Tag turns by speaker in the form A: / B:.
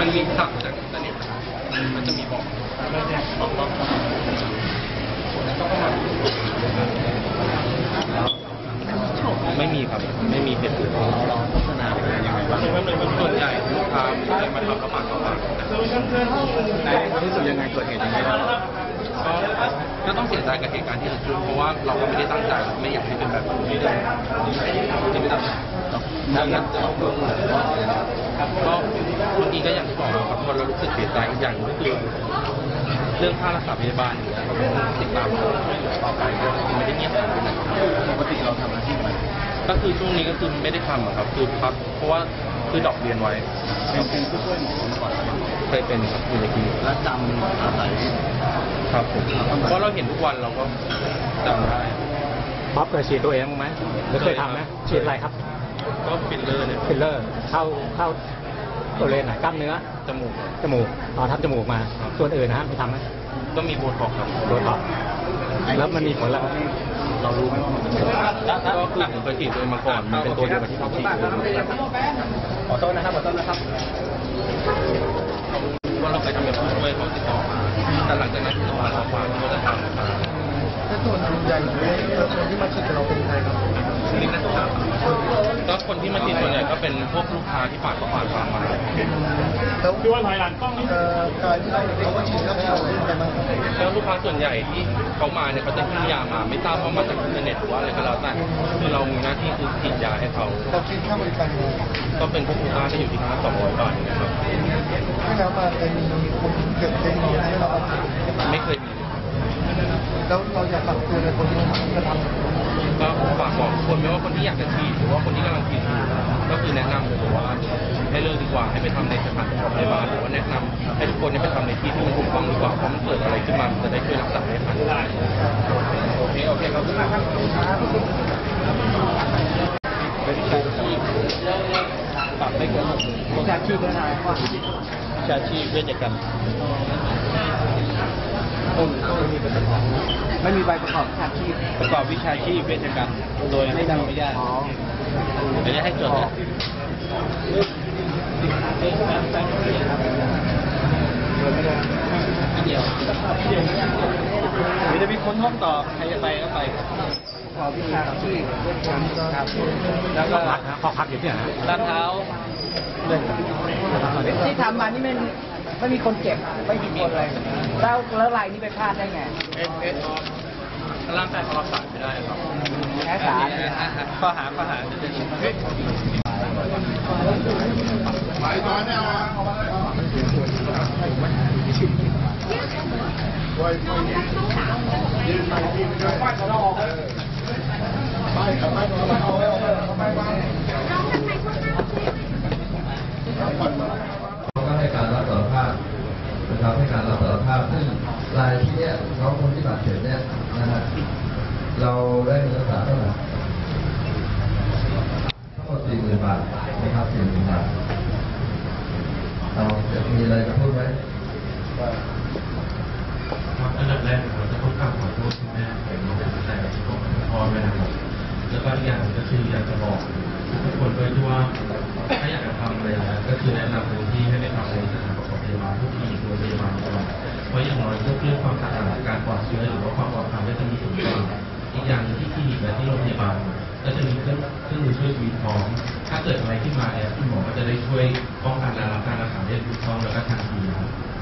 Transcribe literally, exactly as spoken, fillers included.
A: มันมีสั่งจากอินเทอร์เน็ตมันจะมีบอกบอกว่าไม่มีครับไม่มีเหตุผลเราโฆษณาเป็นยังไงบ้างส่วนใหญ่ลูกค้าจะมาทำกระป๋ากระป๋ารู้สึกยังไงเกิดเหตุอย่างนี้ก็ก็ต้องเสียใจกับเหตุการณ์ที่เกิดขึ้นเพราะว่าเราก็ไม่ได้ตั้งใจไม่อยากให้เป็นแบบนี้เลยที่ไม่ตั้งใจก็บางทีก็อย่างที่บอกครับพอเรารู้สึกเสียใจอย่างก็คือเรื่องค่ารักษาพยาบาลเนี่ยเราต้องติดตามต่อไปก็ไม่ได้เงียบหายไปไหนปกติเราทำอาชีพอะไรก็คือช่วงนี้ก็คือไม่ได้ทำครับคือพักเพราะว่าคือดอกเรียนไว้เป็นผู้ช่วยหมอก่อนเคยเป็นครับอยู่ในคลินิกและจำอาศัยครับผมเพราะเราเห็นทุกวันเราก็จำได้
B: บ๊อบเคยฉีดตัวเองไหมหรือเคยทำไหมฉีดอะไรครับ
A: ก็ฟิลเลอร์เนี่ย
B: ฟิลเลอร์เข้าเข้าตัวเลนไหนกล้ามเนื้อ
A: จมูก
B: จมูกอ๋อทำจมูกมาส่วนอื่นนะไม่ทำไหม
A: ก็มีโบท็อกซ์ครับ
B: โบท็อกซ์แล้วมันมีผลแล้ว
A: เรารู้ไหมก็คือผมเคยฉีดตัวมาก่อนมันเป็นตัวเดียวกับที่ผมฉีด
B: ขอโทษนะครับขอโทษนะครับ
A: ว่าเราไปทำแบบด้วยเขาติดต่อมาแต่หลังจากนั้นติดต่อมาเราฟังก็จะทำมา
C: ถ้าส่วนใหญ่คนที่มาฉีดเราเป็นใครครับ
A: นี่นักศึกษาก็คนที่มาฉีดส่วนใหญ่ก็เป็นพวกลูกค้าที่ฝากเขาฝากฟาร์มมา
C: แล้วดูว่าถอยหลังกล้องนี่การที่เขามาฉีดแล้วเราเป็นใครบ้าง
A: แล้วลูกค้าส่วนใหญ่ที่เขามาเนี่ยเขาจะซื้อยามาไม่ทราบว่ามาจากอินเทอร์เน็ตหรือว่าอะไรก็แล้วแต่คือเรามีหน้าที่คือฉีดยาให้เขา
C: เราคิดค่าบริการ
A: ก็เป็นพวกลูกค้าที่อยู่ที่ค่าสองร้อยบาทนะครับ
C: ไม่แล้วมาเป็นคนเก็บเป็นเงินให้เรา
A: ไม่เคยมี
C: แล้วเราอยากฝากตัวในคนที่จะท
A: ำก็ฝากบอกคนไม่ว่าคนที่อยากจะฉีดหรือว่าคนที่กำลังฉีดก็คือแนะนำเลยว่าให้เลิกดีกว่าให้ไปทำในสถานพยาบาลหรือว่าแนะนำให้ทุกคนไปทำในที่ที่มันถูกต้องดีกว่าเพราะมันเกิดอะไรขึ้นมาจะได้ช่วยรักษาได้ทันโอเคโอเคขอบคุณมากครับเป็นชาชีพปรับไม่เกิน
C: ชาชีพนะว่า
A: ชาชีพเวชกรรม
C: ไม่มีใบประกอบวิชาชีพ
A: ประกอบวิชาชีพเวชกรรมโดยไม่ได้ไม่ได้ไม่ได้ให้จดนะเดียวเดี๋ยวมีคนห้องต่อใครจะไปก็ไป
C: ประกอบวิชาชีพเวชกรรมครับ
B: แล้วก็พักนะข้อพักอยู่ที่ไหน
A: ลาดเท้า
D: ที่ทำมานี่มันไม่มีคนเจ็บไม่มีคนอะไรแล้วแล้วรายนี้ไปพลาดได้ไง
A: เอสเอสร่างกายเขารักษาไม่ได้ครับ
D: แพ้สาร
A: ข้อหาข้อหาจะจะไปตอนนี้
E: ให้การรับสารภาพนะครับให้การรับสารภาพซึ่งรายที่เนี้ยน้องคนที่บาดเจ็บเนี่ยนะฮะเราได้เงินรักษาเท่าไหร่ทั้งหมดสี่หมื่นบาทนะครับสี่หมื่นบาทเราจะมีอะไรจะพูดไหม
F: ครับอันดับแรกเราจะต้องกราบขอโทษคุณแม่เป็นน้องเป็นแรกที่ผมพ่อด้วยนะครับแล้วก็อีกอย่างก็คืออยากจะบอกทุกคนด้วยที่ว่าถ้าอยากจะทำอะไรนะก็คือแนะนำเลยที่ให้ไปทำในสถานประกอบพยาบาลทุกที่โรงพยาบาลก่อนเพราะอย่างน้อยเรื่องความสะอาดการปลอดเชื้อหรือว่าความปลอดภัยก็จะมีสูงกว่าอีกอย่างที่คลินิกและที่โรงพยาบาลก็จะมีเครื่องเครื่องมือช่วยชีวิตพร้อมถ้าเกิดอะไรขึ้นมาเนี่ยคุณหมอก็จะได้ช่วยป้องกันและรับการรักษาได้ถูกต้องแล้วก็ทันทีนะครับ